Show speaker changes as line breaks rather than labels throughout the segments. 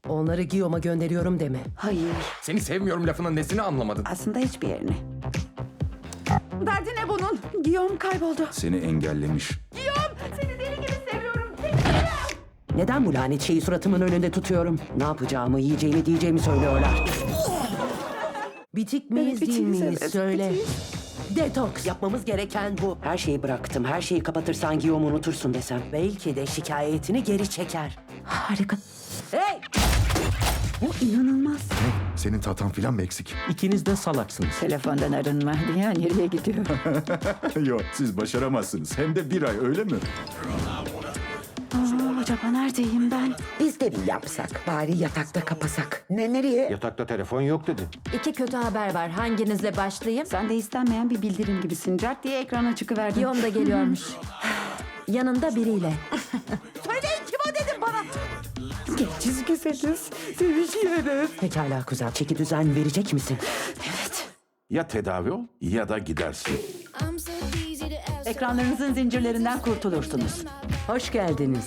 Onları Guillaume'a gönderiyorum deme.
Hayır,
Seni sevmiyorum lafının nesini anlamadın?
aslında hiçbir yerine. Derdi ne bunun? Guillaume kayboldu.
Seni engellemiş.
Seni deli gibi seviyorum.
Neden bu lanet şeyi suratımın önünde tutuyorum? Ne yapacağımı, yiyeceğimi, diyeceğimi söylüyorlar. Bitik miyiz,
Evet,
değil
bitiyiz,
miyiz?
evet,
Söyle.
bitiyiz.
Detoks. Yapmamız gereken bu. Her şeyi bıraktım. Her şeyi kapatırsan Guillaume'u unutursun desem. Belki de şikayetini geri çeker.
Harika.
Hey!
Bu inanılmaz.
Senin tatan filan mı eksik?
İkiniz de salaksınız.
Telefondan arınma. Dünya nereye gidiyor?
Yok, siz başaramazsınız. Hem de bir ay, öyle mi?
Acaba neredeyim ben?
Biz de bir yapsak. Bari yatakta kapasak. Nereye?
Yatakta telefon yok dedi.
İki kötü haber var. Hanginizle başlayayım?
Sen de istenmeyen bir bildirim gibisin. Cart diye ekrana çıkıverdin.
Guillaume da geliyormuş. Yanında biriyle.
Söyleyin kim o dedim bana. Gençiz güzeliz. Sevişiyoruz.
Pekala kuzen. Çeki düzen verecek misin?
Ya tedavi ol ya da gidersin.
Ekranlarınızın zincirlerinden kurtulursunuz.
Hoş geldiniz.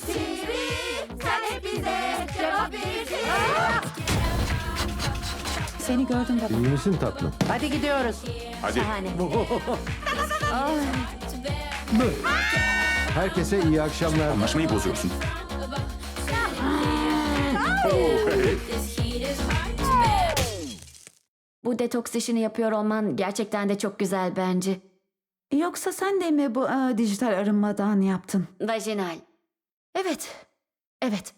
Seni gördüm baba.
İyi misin tatlım?
Hadi gidiyoruz.
Hadi.
Şahane.
Herkese iyi akşamlar.
Anlaşmayı bozuyorsun.
Bu detoks işini yapıyor olman gerçekten de çok güzel bence.
Yoksa sen de mi bu dijital arınmadan yaptın?
Vajinal. Evet. Evet.